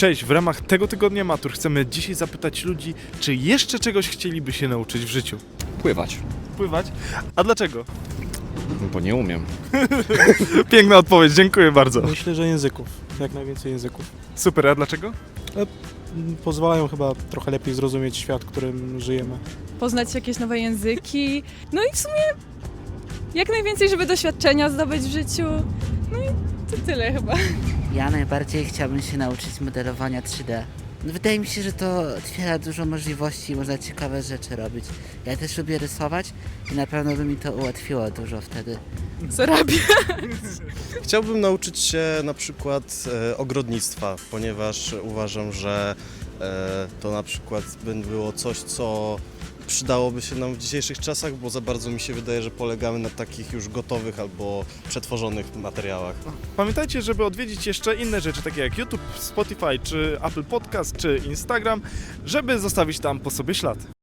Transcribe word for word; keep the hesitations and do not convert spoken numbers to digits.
Cześć, w ramach tego tygodnia matur chcemy dzisiaj zapytać ludzi, czy jeszcze czegoś chcieliby się nauczyć w życiu. Pływać, Pływać? A dlaczego? bo nie umiem. Piękna odpowiedź, dziękuję bardzo. Myślę, że języków, jak najwięcej języków. Super, a dlaczego? Mm, Pozwalają chyba trochę lepiej zrozumieć świat, w którym żyjemy. Poznać jakieś nowe języki. No i w sumie jak najwięcej, żeby doświadczenia zdobyć w życiu. No i to tyle chyba. Ja najbardziej chciałbym się nauczyć modelowania trzy D. No, wydaje mi się, że to otwiera dużo możliwości i można ciekawe rzeczy robić. Ja też lubię rysować i na pewno by mi to ułatwiło dużo wtedy. Zarabiam. Chciałbym nauczyć się na przykład e, ogrodnictwa, ponieważ uważam, że e, to na przykład by było coś, co przydałoby się nam w dzisiejszych czasach, bo za bardzo mi się wydaje, że polegamy na takich już gotowych albo przetworzonych materiałach. Pamiętajcie, żeby odwiedzić jeszcze inne rzeczy, takie jak YouTube, Spotify, czy Apple Podcast, czy Instagram, żeby zostawić tam po sobie ślad.